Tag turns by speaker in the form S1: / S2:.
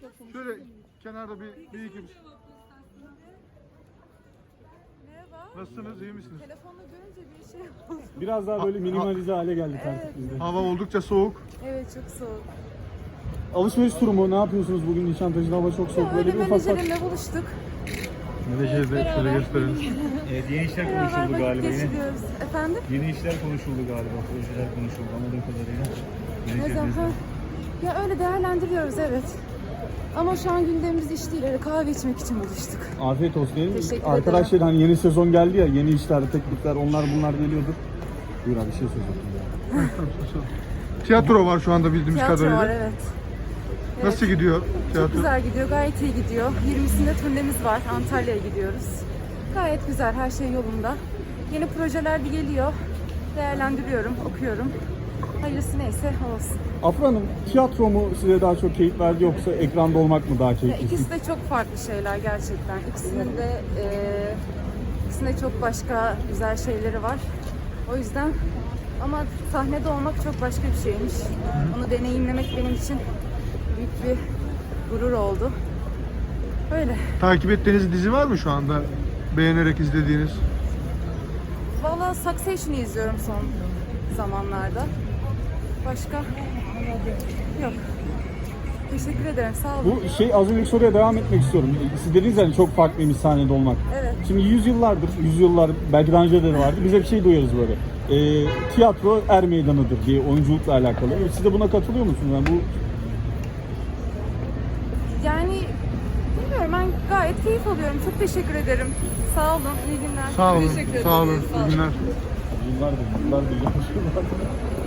S1: Şöyle kenarda bir iki.
S2: Merhaba.
S1: Nasılsınız, iyi misiniz?
S2: Telefonla görünce bir şey oldu.
S3: Biraz daha böyle minimalize hale geldik artık
S2: Evet.
S3: biz de.
S1: Hava oldukça soğuk.
S2: Evet, çok soğuk.
S3: Alışveriş turu mu? Ne yapıyorsunuz bugün Nişantaşı'da? Hava çok soğuk. Böyle
S2: Öyle
S3: bir ufak ufak.
S2: menajerimle buluştuk.
S1: Menajeri de şöyle gösterelim.
S4: Evet, yeni işler
S2: Beraber
S4: konuşuldu
S2: vakit
S4: galiba yine.
S2: geçiriyoruz. Efendim?
S4: Yeni işler konuşuldu galiba, projeler konuşuldu anladığım kadarıyla.
S2: Ne zaman? Ya öyle değerlendiriyoruz, evet. Ama şu an gündemimiz iş değil. Öyle kahve içmek için buluştuk.
S3: Afiyet olsun diyelim.
S2: Teşekkür
S3: Arkadaşlar hani yeni sezon geldi ya, yeni işler, teklifler, onlar bunlar geliyordur. Buyur abi, bir şey söyleyeceğim.
S1: Tiyatro var şu anda bildiğimiz
S2: Tiyatro
S1: kadarıyla.
S2: var, evet.
S1: Nasıl gidiyor
S2: Çok
S1: tiyatro?
S2: güzel gidiyor, gayet iyi gidiyor. 20'sinde turnemiz var, Antalya'ya gidiyoruz. Gayet güzel, her şey yolunda. Yeni projeler de geliyor. Değerlendiriyorum, okuyorum. Hayırlısı neyse olsun.
S3: Afra Hanım, tiyatro mu size daha çok keyif verdi yoksa ekranda olmak mı daha
S2: Ya
S3: keyifli?
S2: ikisi de çok farklı şeyler gerçekten. İkisinde çok başka güzel şeyleri var. O yüzden ama sahnede olmak çok başka bir şeymiş. Onu deneyimlemek benim için büyük bir gurur oldu. Böyle.
S1: Takip ettiğiniz dizi var mı şu anda? Beğenerek izlediğiniz?
S2: Vallahi Succession'ı izliyorum son zamanlarda. Başka yok. Teşekkür ederim. Sağ olun.
S3: Bu az önceki soruya devam etmek istiyorum. Siz dediniz yani çok farklıymış sahnede olmak.
S2: Evet.
S3: Şimdi yüzyıllar belki daha önce de vardı. Biz hep şey duyuyoruz böyle. Tiyatro er meydanıdır diye oyunculukla alakalı. Siz de buna katılıyor musunuz? Yani bu
S2: Yani bilmiyorum, ben gayet keyif alıyorum. Çok teşekkür ederim. Sağ olun. İyi günler.
S1: Sağ olun,
S2: Teşekkür
S1: sağ olun.
S2: ederim.
S1: İyi günler.
S3: yıllardır